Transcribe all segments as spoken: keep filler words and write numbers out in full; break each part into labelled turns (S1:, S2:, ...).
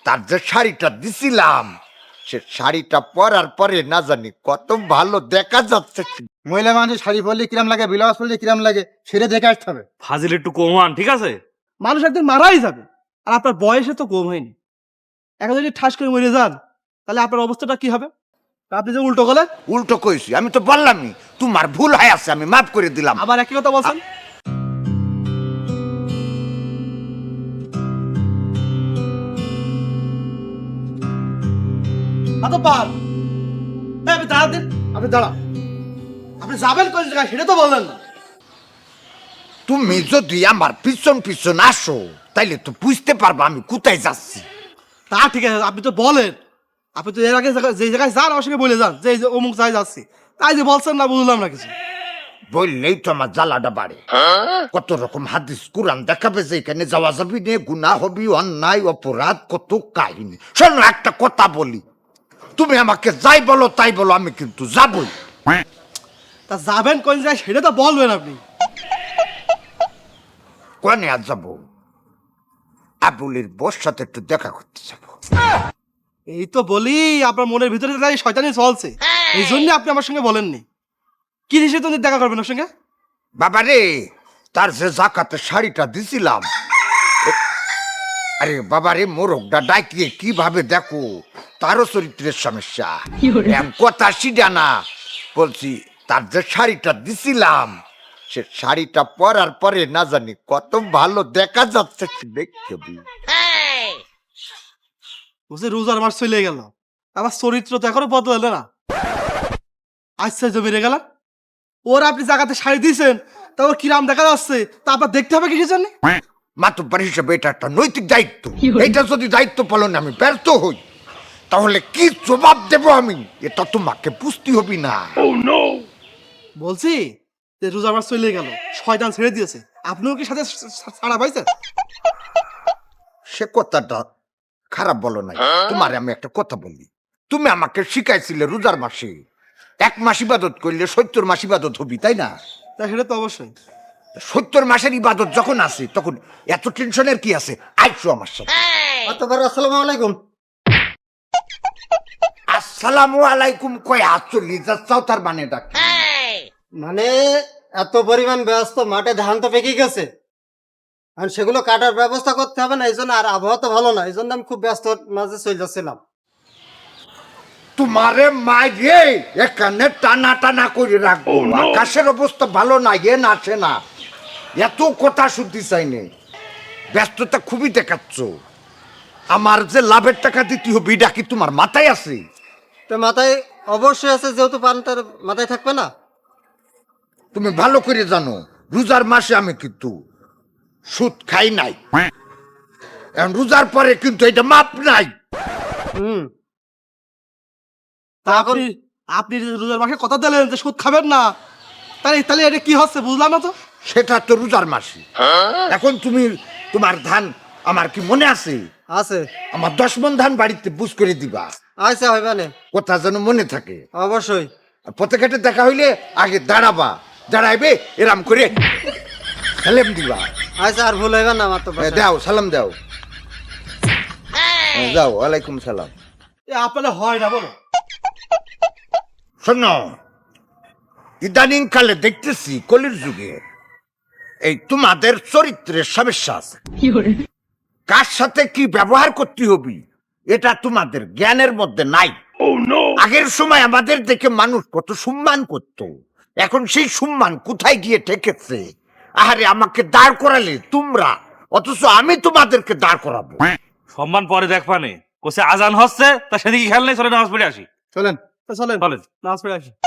S1: তার যে শাড়িটা দিছিলাম সে শাড়িটা পরার পরে না জানি কত ভালো দেখা যাচ্ছে।
S2: মহিলা মানুষের শাড়ি পরলে কিরাম লাগে, ব্লাউজ পরলে কিরাম লাগে, সেটা দেখে আসতে হবে।
S3: ফাজিল একটু কমান, ঠিক আছে?
S4: মানুষ একদিন মারাই যাবে, আর আপনার বয়সে তো কম হয়নি। এখন যদি ঠাস করে মরে যান তাহলে আপনার অবস্থাটা কি হবে? আপনি যে উল্টো গেলেন।
S1: উল্টো কইছি, আমি তো বললামই তোমার ভুল হয়ে আছে, আমি মাফ করে দিলাম।
S4: আবার একই কথা বলছেন। আতো পার এই, আপনি দাঁড়া দিন, আপনি দাঁড়া। আপনি যাবেন কোন জায়গায় সেটা তো বললেন না।
S1: তুমি যদি আমার পিছন পিছন আসো তাইলে তো বুঝতে পারবা আমি কোথায় যাচ্ছি।
S4: তা ঠিক আছে, আপনি তো বলেন। আপনি তো এর আগে জায়গা- যে জায়গায় যান আমার সঙ্গে বলে যান যে এই যে অমুক জায়গায় যাচ্ছি, তাই যে বলছেন না বুঝলাম না কিছু।
S1: বললেই তো আমার জ্বালাটা বাড়ে। কত রকম হাদিস কুরআন দেখাবে যে এখানে যাওয়া যাবি নে, গুনাহ হবি, অন্যায় অপরাধ, কত কাহিনী। শোনো একটা কথা বলি, তুমি আমাকে যাই বলো তাই বলো, আমি কিন্তু যাবই।
S4: তা যাবেন কোন জায়গায় সেটা তো বলবেন আপনি।
S1: কোনে আর যাবো? আবুলের বস সাথে একটু দেখা করতে যাবো।
S4: এই তো বলি আপনার মনের ভিতরে তাই শয়তানি চলছে, এই জন্য আপনি আমার সঙ্গে বলেননি। কি হিসেবে তুমি দেখা করবেন ওর সঙ্গে?
S1: বাবা রে, তার যে জাকাতে শাড়িটা দিছিলাম, এ- আরে বাবা রে, মোরগটা ডাকিয়ে কিভাবে দেখো, তারও চরিত্রের সমস্যা। এম কথা সিডা না, বলছি তার যে শাড়িটা দিছিলাম সে শাড়িটা পরার পরে না জানি কত ভালো দেখা যাচ্ছে দেখতে।
S4: বুঝছি রোজার মাস চলে গেল, আমার চরিত্র তো এখনো বদলালে না। আচ্ছা জমিরে গেল, ওর আপনি জায়গাতে শাড়ি দিয়েছেন, তা ওর কিরাম দেখা যাচ্ছে তা আপনার দেখতে হবে কিসের জন্য?
S1: মাতুব্বার হিসেবে এটা একটা নৈতিক দায়িত্ব। এটা যদি দায়িত্ব পালনে আমি ব্যর্থ হই তাহলে কি জবাব দেব আমি, এটা তোমাকে বুঝতে হবে না।
S4: বলছি যে রোজার মাস চলে গেল, শয়তান ছেড়ে দিয়েছে, আপনিও কি সাথে ছাড়া পাইছেন?
S1: সে কথাটা খারাপ বলো নাই। তোমারে আমি একটা কথা বলি, তুমি আমাকে শিখাইছিলে রোজার মাসে এক মাস ইবাদত করলে সত্তর মাস ইবাদত হবি, তাই না?
S4: তা সেটা তো অবশ্যই।
S1: সত্তর মাসের ইবাদত যখন আছে তখন এত টেনশনের কি আছে? আইসো আমার সাথে।
S2: অতবার আসসালামু আলাইকুম।
S1: আসসালামু আলাইকুম কয় হাত চলি যাচ্ছাও, তার মানে ডাক
S2: মানে এত পরিমাণ ব্যস্ত, মাঠে ধান তো পেকে গেছে, আর সেগুলো কাটার ব্যবস্থা করতে হবে না, এই জন্য, আর আবহাওয়া তো ভালো না, এই জন্য আমি খুব ব্যস্ত মাঝে চলে যাচ্ছিলাম।
S1: তোমারে মাইরে এখানে টানা টানা করে রাখবো। আকাশের অবস্থা ভালো না, এ নাচে না, এত কথা শুনতে চাইনি। ব্যস্ততা খুবই দেখাচ্ছ। আমার যে লাভের টাকা দিতে হবে এটা কি তোমার মাথায় আছে?
S2: তো মাথায় অবশ্যই আছে, যেহেতু পানটার মাথায় থাকবে না।
S1: তুমি ভালো করে জানো রোজার মাসে আমি কিন্তু সুদ খাই নাই, এখন রোজার পরে কিন্তু এটা মাপ নাই।
S2: হুম।
S4: তা আপনি আপনি যে রোজার মাসে কথা দিলেন যে সুদ খাবেন না, তাহলে তাহলে এটা কি হচ্ছে বুঝলাম না তো।
S1: সেটা তো রোজার মাসে। এখন তুমি তোমার ধান আমার কি মনে আছে?
S2: আছে।
S1: আমার দশ মন ধান বাড়িতে বুঝ করে দিবা,
S2: আচ্ছা, হইবে না।
S1: কথা যেন মনে থাকে।
S2: অবশ্যই।
S1: আর পথে ঘাটে দেখা হইলে আগে দাঁড়াবা, দাঁড়াইবে এরাম করে সালাম দিবা।
S2: আচ্ছা, আর ভুল হইবে না আমার তো।
S1: এ, দাও সালাম দাও। এ, যাও, ওয়ালাইকুম সালাম।
S4: এ আপনাদের হয় না বলো।
S1: শোনো, ইদানিং কালে দেখতেছি কলির যুগে এই তোমাদের চরিত্রের সমস্যা আছে। কার সাথে কি ব্যবহার করতে হবে এটা তোমাদের জ্ঞানের মধ্যে নাই। আগের সময় আমাদের দেখে মানুষ কত সম্মান করত, এখন সেই সম্মান কোথায় গিয়ে ঠেকেছে। আহারে, আমাকে দাঁড় করালে তোমরা, অথচ আমি তোমাদেরকে দাঁড় করাবো।
S3: সম্মান পরে দেখ পানে কোসে আজান হচ্ছে, তা সেদিকে খেয়াল নেই, চলে নামাজ পড়ে আসি।
S4: চলেন তা চলেন
S3: চলেন।
S4: নামাজ পড়ে আসি।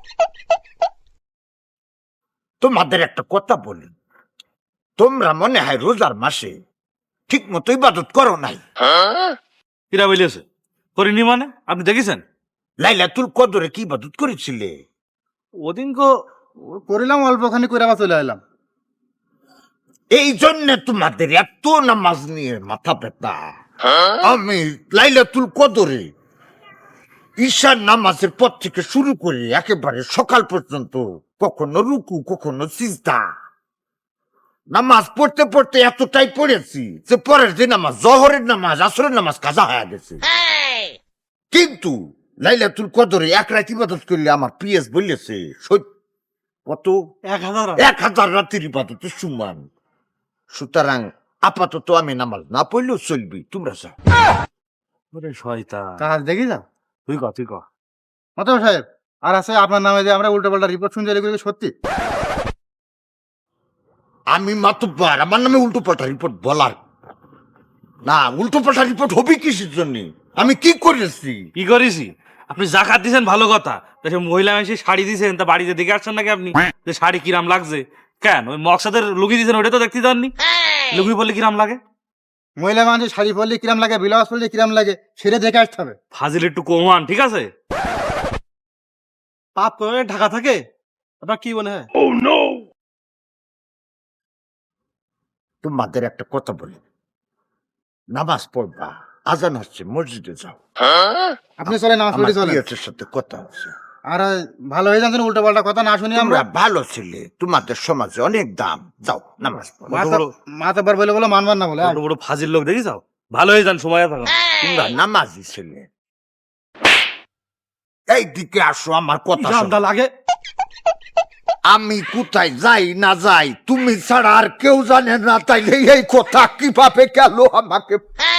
S1: তোমাদের একটা কথা বলি, তোমরা মনে হয় রোজার মাসে ঠিক মতো ইবাদত করো নাই।
S3: কিরা বলিয়েছে করিনি মানে? আপনি দেখেছেন
S1: লাইলাতুল কদরে কি ইবাদত করেছিলে?
S3: ওদিন কো
S2: করিলাম, অল্পখানি করে আবার চলে এলাম।
S1: এই জন্য তোমাদের এত নামাজ নিয়ে মাথা ব্যথা। আমি লাইলাতুল কদরে ঈশার নামাজের পর থেকে শুরু করে একেবারে সকাল পর্যন্ত কখনো রুকু কখনো সিজদা, নামাজ পড়তে পড়তে এতটাই পড়েছি যে পরের দিন নামাজ জহরের নামাজ আসরের নামাজ কাজা হয়ে গেছে। কিন্তু লাইলাতুল কদরে এক রাত ইবাদত করলে আমার পিএস বলেছে সত্য কত
S4: এক হাজার
S1: এক হাজার রাতের ইবাদতের সমান। সুতরাং আপাতত আমি নামাজ না পড়লেও চলবি, তোমরা যাও।
S3: ওরে শয়তান,
S5: কাজ দেখি যা
S3: তুই ক তুই ক
S5: মাতাব সাহেব। আর আছে আপনার নামে যে আমরা উল্টো পাল্টা রিপোর্ট শুনছি এগুলো কি সত্যি?
S1: আমি মাতব্বার, আমার নামে উল্টো পাল্টা রিপোর্ট বলার না। উল্টো পাল্টা রিপোর্ট হবে কিসের জন্য? আমি কি করেছি?
S3: কি করেছি? আপনি জাকাত দিছেন ভালো কথা, তা সে মহিলা মানুষের শাড়ি দিছেন, তা বাড়িতে দেখে আসছেন নাকি আপনি যে শাড়ি কিরাম লাগছে? কেন ওই মকসাদের লুকি দিছেন ওটা তো দেখতে যাননি? লুকি বললে কিরাম লাগে?
S5: মহিলা মানুষের শাড়ি পরলে কিরাম লাগে, ব্লাউজ পরলে কিরাম লাগে, সেটা দেখে আসতে হবে।
S3: ফাজিল একটু কমান, ঠিক আছে?
S4: পাপ করে ঢাকা থাকে, আপনার কি মনে হয়?
S1: তোমাদের একটা কথা বলি, নামাজ পড়বা, আজান হচ্ছে, মসজিদে যাও।
S5: আপনি চলে নামাজ
S1: আমার
S5: পড়ে চলেন।
S1: পিএসের সাথে কথা আছে।
S5: আর ভালো হয়ে যাচ্ছেন, উল্টো পাল্টা কথা না শুনি আমরা।
S1: তোমরা ভালো ছেলে, তোমাদের সমাজে অনেক দাম, যাও নামাজ পড়ো।
S3: বড়-
S5: মাতাবার বলে বলে মানবার না বলে
S3: বড় বড় ফাজিল লোক দেখি যাও, ভালো হয়ে যান, সময় থাকুন।
S1: তোমরা নামাজি ছেলে, এই দিকে আসো, আমার কথা শোনো।
S4: জানদা লাগে।
S1: আমি কোথায় যাই না যাই তুমি ছাড়া আর কেউ জানে না, তাইলে এই কথা কিভাবে গেল আমাকে?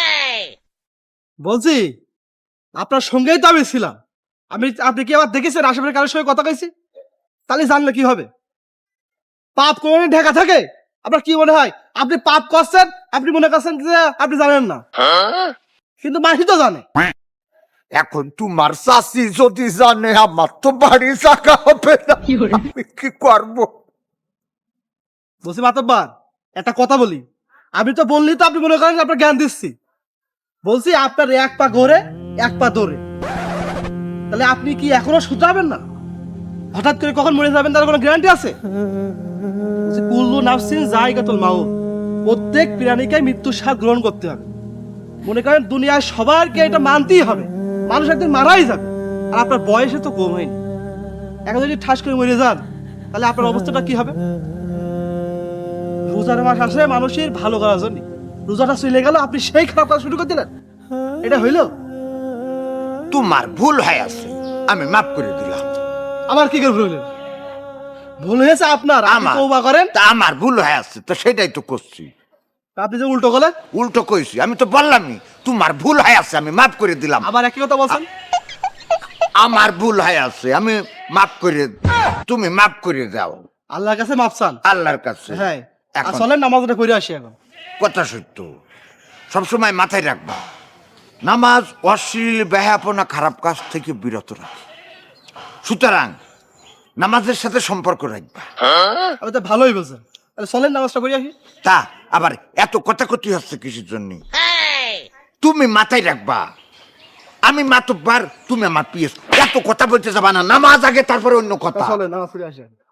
S4: বলছি আপনার সঙ্গেই তো আমি ছিলাম। আমি আপনি কি আবার দেখেছেন আশেপাশে কারোর সঙ্গে কথা কইছি? তাহলে জানলে কি হবে? পাপ করে ঢাকা থাকে, আপনার কি মনে হয় আপনি পাপ করছেন? আপনি মনে করছেন যে আপনি জানেন না, কিন্তু মাহি তো জানে।
S1: এখন তোমার চাষি যদি জানে, আমার তো বাড়ি জায়গা হবে না, আমি কি করবো?
S4: বলছি মাতব্বার একটা কথা বলি, আমি তো বললি তো আপনি মনে করেন যে আপনার জ্ঞান দিচ্ছি। বলছি আপনার এক পা ঘোরে এক পা দৌড়ে, তাহলে আপনি কি এখনো শুধরাবেন না? হঠাৎ করে কখন মরে যাবেন তার কোনো গ্যারান্টি আছে? বলছি, কুল্লু নাফসিন জায়গাতুল মাউত, প্রত্যেক প্রাণীকে মৃত্যুর স্বাদ গ্রহণ করতে হবে। মনে করেন দুনিয়ায় সবারকে এটা মানতেই হবে, মানুষ একদিন মারাই যাবে। আর আপনার বয়সে তো কম হয়নি, এখন যদি ঠাস করে মরে যান তাহলে আপনার অবস্থাটা কি হবে? রোজার মাস আসে মানুষের ভালো করার জন্য, রোজাটা চলে গেল আপনি সেই খারাপ করা শুরু করে দিলেন, এটা হইল?
S1: তোমার ভুল হয়ে আছে, আমি মাফ করে দিলাম।
S4: আমার কি করে ভুল হইলেন? ভুল হয়েছে আপনার, আপনি
S1: আমার
S4: তওবা করেন।
S1: তা আমার ভুল হয়ে আছে, তো সেটাই তো করছি।
S4: আপনি যে উল্টো করলেন,
S1: উল্টো কইছি, আমি তো বললামই তোমার ভুল হয়ে আছে, আমি মাফ করে দিলাম।
S4: আবার একই কথা বলছেন।
S1: আমার ভুল হয়ে আছে, আমি মাফ করে, তুমি মাফ করে দাও
S4: আল্লাহর কাছে মাপ চান।
S1: আল্লাহর কাছে।
S4: হ্যাঁ,
S1: এখন
S4: আসলে নামাজটা করে আসি এখন।
S1: কথা সত্য, সবসময় মাথায় রাখবা, নামাজ অশ্লীল ব্যাহাপনা খারাপ কাজ থেকে বিরত রাখে। সুতরাং নামাজের সাথে সম্পর্ক রাখবা।
S4: আমি তো ভালোই বলছেন, তাহলে চলেন নামাজটা করে আসি।
S1: তা আবার এত কথা কথি হচ্ছে কিসের জন্য? তুমি মাথায় রাখবা, আমি মাতব্বার, তুমি আমার পিএস। এত কথা বলতে যাবা না, নামাজ আগে তারপরে অন্য কথা।
S4: চলেন নামাজ করে আসি।